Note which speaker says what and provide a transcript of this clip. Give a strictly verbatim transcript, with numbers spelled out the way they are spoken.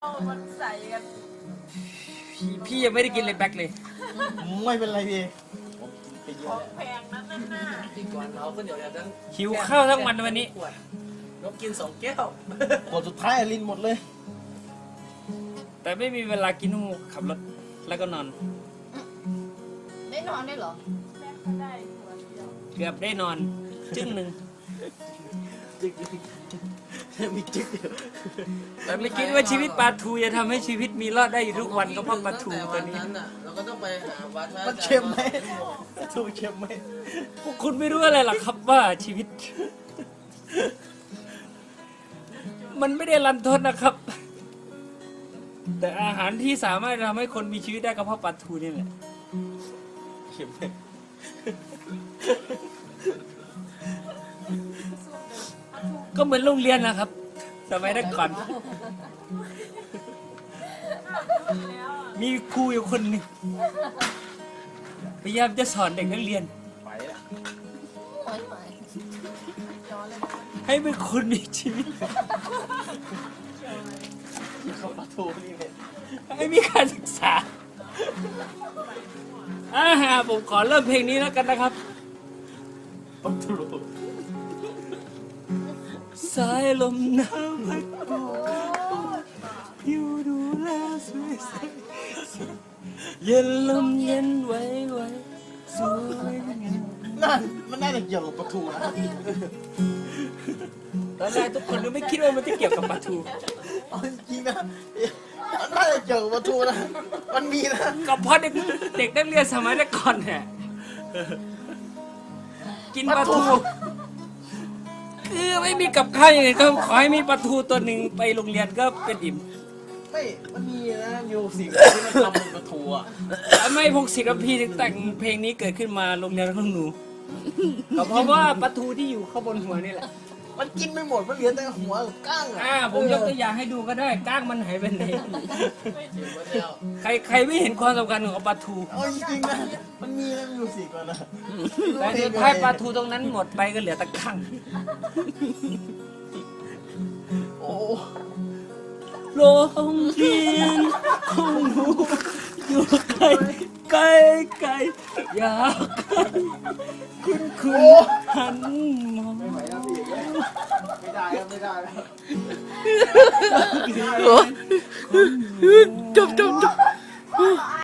Speaker 1: เอามันใส่กัน
Speaker 2: พี่พี่ยังไม่ได้กินเลยแบ็คเลย
Speaker 3: ไม่เป็นไรพี่ไปเย
Speaker 1: ข
Speaker 3: อะ
Speaker 1: องแพงนั้นน่ะ
Speaker 4: กินก่อนเราก็เดี๋ยวทั้ง
Speaker 2: หิวข้าวทั้งวันวันนี้
Speaker 4: ขวดนกกินสองแก้ว
Speaker 3: กดสุดท้ายลินหมดเลย
Speaker 2: แต่ไม่มีเวลากินหูขับรถแล้วก็นอน
Speaker 5: ได้นอนได้เหรอ
Speaker 1: แม่ก็ได้หัวเดียว
Speaker 2: เกือบได้นอน จึ้งหนึ่ง
Speaker 3: จึ๊กมีจึ๊กเดียว
Speaker 2: แต่ไม่คิดว่าชีวิตปลาทูจะทำให้ชีวิตมีรอดได้อยู่ทุกวันก็เพราะปลาทูตัวนี้
Speaker 4: ตั้งแนั้นน่ะเราก็ต้องไปหาวัดพระ
Speaker 3: มันเค็มไหมปลาทูเค็มไหม
Speaker 2: พวกคุณไม่รู้อะไรหรอกครับว่าชีวิต มันไม่ได้รันทดนะครับ แต่อาหารที่สามารถทำให้คนมีชีวิตได้ก็เพราะปลาทูนี่แหละ
Speaker 3: เค็มไหม
Speaker 2: ก็เหมือนโรงเรียนนะครับ สมัยแต่ก่อน มีครูอยู่คนหนึ่งพยายามจะสอนเด็กนักเรียน
Speaker 3: ไปละ
Speaker 5: ไม่ไหว
Speaker 2: ให้เป็นคนมีชีวิต
Speaker 3: เขาปลาทูนี่เป็น
Speaker 2: ให้มีการศึกษาอ่าฮะผมขอเริ่มเพลงนี้แล้วกันนะครับ
Speaker 3: ปลาทู
Speaker 2: สายลมหนาวพัดโบกผิวดูแลสวยใสเย็นลมเย็นไว้ไว้สวยงาม
Speaker 3: นั่นมันน่าจะเกี่ยวกับปลาทูนะ
Speaker 2: ตอนแรกทุกคนก็ไม่คิดว่ามันจะเกี่ยวกับปลาทู
Speaker 3: เอาจริงๆนะมันน่าจะเกี่ยวกับปลาทูนะมันมีนะ
Speaker 2: ก็เพราะเด็กเด็กนักเรียนสมัยแต่ก่อนเนี่ยกินปลาทูคือไม่มีกับข้าวอย่างไงก็ขอให้มีปลาทูตัวหนึ่งไปโรงเรียนก็เป็นอิ่ม
Speaker 3: ไม่มันมีนะอยู่สิ่งที่มันทำเป็นปลาทูอ่ะ
Speaker 2: ทำไมพงศิษย์กับพี่ถึงแต่งเพลงนี้เกิดขึ้นมาโรงเรียนของหนูก็เพราะว่าปลาทูที่อยู่ข้างบนหัวนี่แหละ
Speaker 3: มันกินไม่หมดมันเหลือแต่หัวกับก้างอ่ะ
Speaker 2: อ่าผมยกตัวอย่างให้ดูก็ได้ก้างมันหายไปไหน
Speaker 4: กินมาเดียว
Speaker 2: ใครใครไม่เห็นความสำคัญของปลาทู
Speaker 3: เอาจริงๆนะมันมีนะมันอยู่สี่กว่านะ
Speaker 2: แต่สุดท้ายปลาทูตรงนั้นหมดไปก็เหลือแตะข้าง
Speaker 3: โอ้
Speaker 2: โรงเรียนของหนูอยู่ไกลไกลไกลอยากคุณคุณหันมอง
Speaker 3: ไม่ไหวแล้วพี่ไม่ได้ครับไม่ได้แล้ว
Speaker 2: จบจบจบ